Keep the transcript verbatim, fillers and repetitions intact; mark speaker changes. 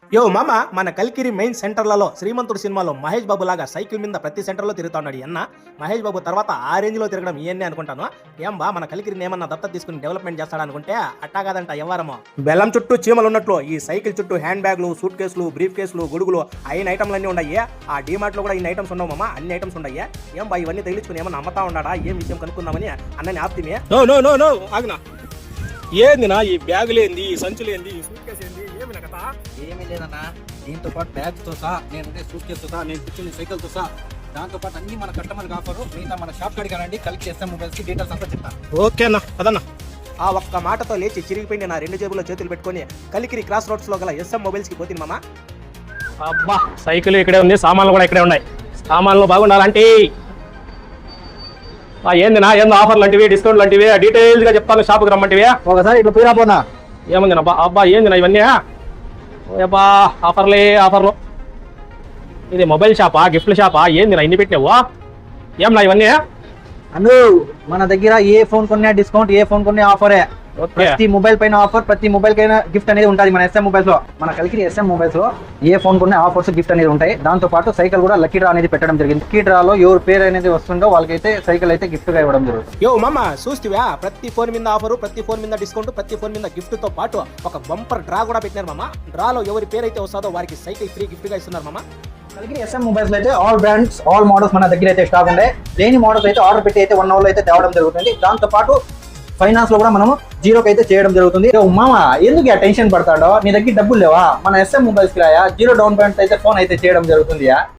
Speaker 1: యో మామ మన కలికిరి మెయిన్ సెంటర్లలో శ్రీమంతుడు సినిమాలో మహేష్ బాబు లాగా సైకిల్ మీద ప్రతి సెంటర్లో తిరుగుతున్నాడు అన్న. మహేష్ బాబు తర్వాత ఆ రేంజ్ లో తిరగడం ఇవన్నీ అనుకుంటాను. ఏం బా మన కలికిరిని ఏమన్నా దత్త తీసుకుని డెవలప్మెంట్ చేస్తాడనుకుంటే అట్టా కాదంట ఎవరమో. బెల్లం చుట్టూ చీమలు ఉన్నట్లు ఈ సైకిల్ చుట్టూ హ్యాండ్ బ్యాగ్లు, సూట్ కేసులు, బ్రీఫ్ కేసులు, గొడుగులు అయిన ఐటమ్లన్నీ ఉన్నాయి. ఆ డీమార్ట్ లో కూడా ఇన్ని ఐటమ్స్ ఉండవు మామ, అన్ని ఐటమ్స్ ఉన్నాయి. ఏం బా ఇవన్నీ తగిలించుకుని ఏమన్నా అమ్మతా ఉన్నాడా, ఏం విషయం కనుక్కుందామని అన్నని ఆప్తిమే.
Speaker 2: నో నో నో నో ఆగ్నా ఏంది నా ఈ బ్యాగులేంది, ఈ సంచులేంది, ఈ సూట్ కేసు ఏంది, ఏమి నా కథ?
Speaker 3: ఏమీ లేదన్నా, దీంతో పాటు బ్యాగ్తో సహా, నేను సూట్ కేసుతో సహా, నేను కూర్చుని సైకిల్తో సహా, దాంతో పాటు అన్ని మన కస్టమర్కి ఆఫర్. మిగతా మన షాప్ కాడికి రండి, కలిసి చేస్తాం. మొబైల్స్కి డీటెయిల్స్ అంతా చెప్తాను.
Speaker 2: ఓకే అన్న అదన్నా.
Speaker 1: ఆ ఒక్క మాటతో లేచి చిరిగిపోయింది నా రెండు జేబుల్లో చేతులు పెట్టుకొని కలికిరి క్రాస్ రోడ్స్ లో గల ఎస్ఎం మొబైల్స్ కి పోతుంది మామ.
Speaker 2: అబ్బా సైకిల్ ఇక్కడే ఉంది, సామాన్లు కూడా ఇక్కడే ఉన్నాయి. సామాన్లు బాగుండాలంటే ఏంది నా ఏందో ఆఫర్లు లాంటివి, డిస్కౌంట్ లాంటివి డీటెయిల్స్ గా చెప్తాను. షాప్కి రమ్మంటివి
Speaker 3: ఒకసారి ఇట్లా పోయినా పోనా.
Speaker 2: ఏముంది నా అబ్బా ఏంది నా ఇవన్నీ? అబ్బా ఆఫర్లే ఆఫర్లు. ఇది మొబైల్ షాపా, గిఫ్ట్ల షాపా, ఏంది నా ఇన్ని పెట్టినావు? ఏం నా ఇవన్నీ?
Speaker 3: అను మన దగ్గర ఏ ఫోన్ కొన్నా డిస్కౌంట్, ఏ ఫోన్ కొన్నా ఆఫరే. ప్రతి మొబైల్ పైన ఆఫర్, ప్రతి మొబైల్ కైనా గిఫ్ట్ అనేది ఉంటుంది మన ఎస్ఎం మొబైల్స్ లో. మన కలికి ఎస్ఎం మొబైల్స్ లో ఏ ఫోన్ కొన్నా ఆఫర్స్, గిఫ్ట్ అనేది ఉంటాయి. దాంతో పాటు సైకిల్ కూడా లక్కీ డ్రా అనేది పెట్టడం జరిగింది. లక్కీ డ్రాలో ఎవరు పేరు అనేది వస్తుందో వాళ్ళకైతే సైకిల్ అయితే గిఫ్ట్ గా ఇవ్వడం జరుగుతుంది.
Speaker 1: యో మామ చూస్తువా, ప్రతి ఫోన్ మీద ఆఫరు, ప్రతి ఫోన్ మీద డిస్కౌంట్, ప్రతి ఫోన్ మీద గిఫ్ట్ తో పాటు ఒక బంపర్ డ్రా కూడా పెట్టినారు మామ. డ్రాలో ఎవరి పేరు అయితే వస్తుందో వారికి సైకిల్ ఫ్రీ గిఫ్ట్ గా ఇస్తున్నారు మామ.
Speaker 3: కలిగి ఎస్ఎం మొబైల్స్ అయితే ఆల్ బ్రాండ్స్, ఆల్ మోడల్స్ మన దగ్గర అయితే స్టాక్ ఉండే. లేని మోడల్స్ అయితే ఆర్డర్ పెట్టి అయితే వన్ అవర్ లో అయితే తేవడం జరుగుతుంది. దాంతో పాటు ఫైనాన్స్ లో కూడా మనము జీరోకి అయితే చేయడం జరుగుతుంది. మామ ఎందుకు టెన్షన్ పడతాడో, నీ దగ్గర డబ్బులు లేవా? మన ఎస్ఎం మొబైల్స్ కి రాయా, జీరో డౌన్ పేమెంట్ అయితే ఫోన్ అయితే చేయడం జరుగుతుంది.